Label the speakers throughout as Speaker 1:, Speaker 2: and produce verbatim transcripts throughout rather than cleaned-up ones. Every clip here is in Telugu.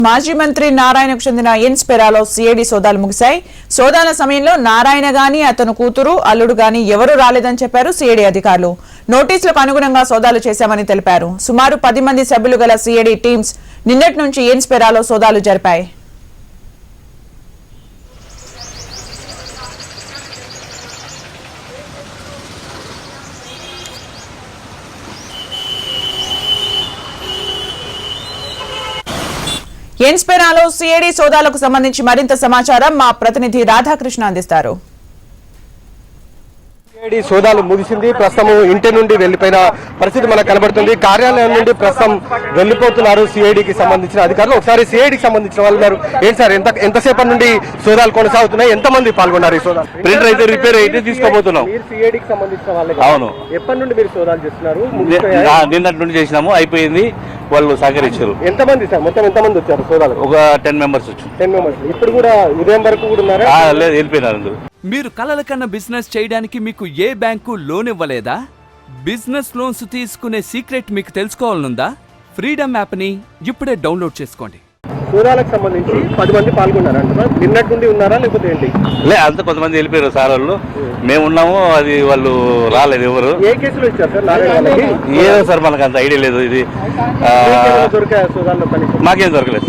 Speaker 1: మాజీ మంత్రి నారాయణకు చెందిన ఇన్స్పెరాలో సిఐడి సోదాలు ముగిశాయి. సోదాల సమయంలో నారాయణ గాని అతను కూతురు అల్లుడు గాని ఎవరూ రాలేదని చెప్పారు సిఐడి అధికారులు. నోటీసులకు అనుగుణంగా సోదాలు చేశామని తెలిపారు. సుమారు పది మంది సభ్యులు గల సిఐడి టీమ్స్ నిన్నటి నుంచి ఇన్స్పెరాలో సోదాలు జరిపాయి. ఇన్స్పెరాలో సిఐడి సోదాలకు సంబంధించి మరింత సమాచారం మా ప్రతినిధి రాధాకృష్ణ అందిస్తారు.
Speaker 2: సిఐడి సోదాలు ముగిసింది. ప్రస్తుతం ఇంటి నుండి వెళ్లిపోయిన పరిస్థితి మనకు కనబడుతుంది. కార్యాలయం నుండి ప్రస్తుతం వెళ్లిపోతున్నారు సిఐడికి సంబంధించిన అధికారులు. ఒకసారి సిఐడికి సంబంధించిన వాళ్ళు ఉన్నారు. ఏంటి సార్, ఎంత ఎంతసేపటి నుండి సోదాలు కొనసాగుతున్నాయి? ఎంత మంది పాల్గొన్నారు ఈ సోదాలు?
Speaker 3: ప్రింటర్ అయితే రిపేర్ అయితే తీసుకోబోతున్నాం.
Speaker 2: సిఐడికి సంబంధించిన వాళ్ళు?
Speaker 3: అవును.
Speaker 2: ఎప్పటి నుండి మీరు సోదాలు చేస్తున్నారు?
Speaker 3: నిన్నటి నుండి చేసినాము, అయిపోయింది. వాళ్ళు సహకరించారు.
Speaker 2: ఎంతమంది సార్, మొత్తం ఎంతమంది వచ్చారు సోదాలు?
Speaker 3: ఒక టెన్ మెంబర్స్ వచ్చారు.
Speaker 2: టెన్ మెంబర్స్ ఇప్పుడు కూడా ఉదయం వరకు కూడా ఉన్నారా?
Speaker 3: లేదు, వెళ్ళిపోయినారు అందరూ.
Speaker 4: మీరు కలల కన్నా బిజినెస్ చేయడానికి మీకు ఏ బ్యాంకు లోన్ ఇవ్వలేదా? బిజినెస్ లోన్స్ తీసుకునే సీక్రెట్ మీకు తెలుసుకోవాలనుందా? ఫ్రీడమ్ యాప్ని ఇప్పుడే డౌన్లోడ్ చేసుకోండి.
Speaker 2: సోదాలకు సంబంధించి పది మంది పాల్గొన్నారంట. నిన్నటి నుండి ఉన్నారా లేకపోతే ఏంటి?
Speaker 3: లే, అంత కొంతమంది వెళ్ళిపోయారు సార్. వాళ్ళు మేము ఉన్నాము, అది వాళ్ళు రాలేదు. ఎవరు
Speaker 2: ఏ కేసులో ఇచ్చారు సార్ నారాయణ?
Speaker 3: ఏదో సార్ మనకు అంత ఐడియా లేదు. ఇది
Speaker 2: దొరికాయా సోదాల్లో?
Speaker 3: మాకేం దొరకలేదు.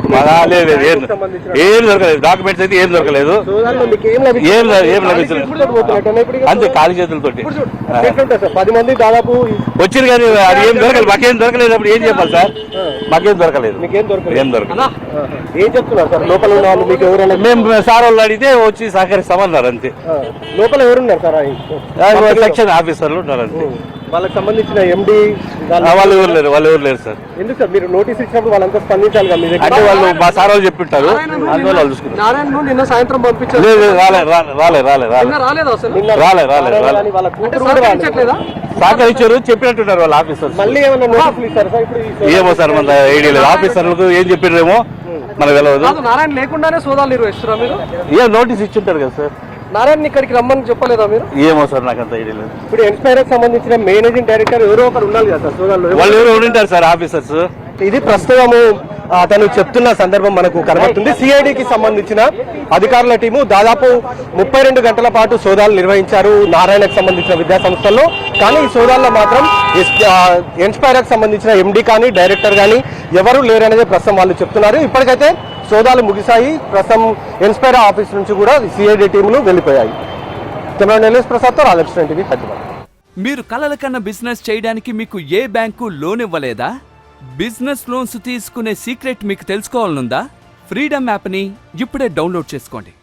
Speaker 3: ఏం దొరకలేదు. డాక్యుమెంట్స్ అయితే ఏం దొరకలేదు. ఏం ఏం లభించలేదు. అంతే, ఖాళీ చేతులతోటి
Speaker 2: పది మంది దాదాపు
Speaker 3: వచ్చింది కానీ అది ఏం దొరకలేదు. మాకేం దొరకలేదు. అప్పుడు ఏం చెప్పాలి సార్? మాకేం దొరకలేదు.
Speaker 2: మీకేం దొరకలేదు?
Speaker 3: ఏం దొరకలేదు.
Speaker 2: ఏం చెప్తున్నారు సార్ లోపల ఉన్న వాళ్ళు? మీకు ఎవరైనా?
Speaker 3: మేము సార్ వాళ్ళు అడిగితే వచ్చి సహకరిస్తామన్నారు. అంతే.
Speaker 2: లోపల ఎవరున్నారు సార్?
Speaker 3: సెక్షన్ ఆఫీసర్లు ఉన్నారు. అంతే.
Speaker 2: వాళ్ళకి సంబంధించిన ఎండి
Speaker 3: వాళ్ళు ఎవరు లేరు. వాళ్ళు ఎవరు లేరు సార్.
Speaker 2: ఎందుకు సార్ మీరు నోటీస్ ఇచ్చినప్పుడు వాళ్ళంతా స్పందించాలి కదా? మీరు
Speaker 3: అంటే వాళ్ళు మా సార్ వాళ్ళు చెప్పింటారు, అందువల్ల వాళ్ళు చూసుకుంటారు.
Speaker 2: నారాయణ నిన్న సాయంత్రం పంపించారు.
Speaker 3: లేదు, రాలే రాలే రాలే రాలే రాలే రాలే రాలే సహకరించారు, చెప్పినట్టున్నారు వాళ్ళ ఆఫీసర్.
Speaker 2: మళ్ళీ ఏమైనా నోటీసులు ఇస్తారు సార్? ఇప్పుడు
Speaker 3: ఏమో సార్, మన ఐడియా లేదు. ఆఫీసర్లకు ఏం చెప్పిరేమో మనకు తెలియదు.
Speaker 2: నారాయణ లేకుండానే సోదాలు నిర్వహిస్తారా మీరు?
Speaker 3: ఏ నోటీస్ ఇచ్చింటారు కదా సార్.
Speaker 2: నారాయణ ఇక్కడికి రమ్మని చెప్పలేదా మీరు?
Speaker 3: ఏమో సార్, నాకు అంత ఐడియా లేదు.
Speaker 2: ఇప్పుడు ఇన్స్పైర్ సంబంధించిన మేనేజింగ్ డైరెక్టర్ ఎవరో ఒకరు ఉండాలి కదా సార్ సోదాల్లో?
Speaker 3: వాళ్ళు ఎవరు ఉండింటారు సార్, ఆఫీసర్స్.
Speaker 2: ఇది ప్రస్తుతము అతను చెప్తున్న సందర్భం మనకు కనబడుతుంది. సిఐడికి సంబంధించిన అధికారుల టీము దాదాపు ముప్పై రెండు గంటల పాటు సోదాలు నిర్వహించారు నారాయణకు సంబంధించిన విద్యా సంస్థల్లో. కానీ ఈ సోదాల్లో మాత్రం ఇన్స్పైర్కి సంబంధించిన ఎండి కానీ డైరెక్టర్ కానీ ఎవరు లేరనేది ప్రస్తుతం వాళ్ళు చెప్తున్నారు. ఇప్పటికైతే సోదాలు ముగిశాయి. ప్రస్తుతం ఇన్స్పైర్ ఆఫీస్ నుంచి కూడా సిఐడి టీములు వెళ్ళిపోయాయి. కెమెరా నెల్లూరు ప్రసాద్తో రాధాకృష్ణ టీవీ హైదరాబాద్.
Speaker 4: మీరు కలల కన్నా బిజినెస్ చేయడానికి మీకు ఏ బ్యాంకు లోన్ ఇవ్వలేదా? బిజినెస్ లోన్స్ తీసుకునే సీక్రెట్ మీకు తెలుసుకోవాలనుందా? ఫ్రీడమ్ యాప్ని ఇప్పుడే డౌన్లోడ్ చేసుకోండి.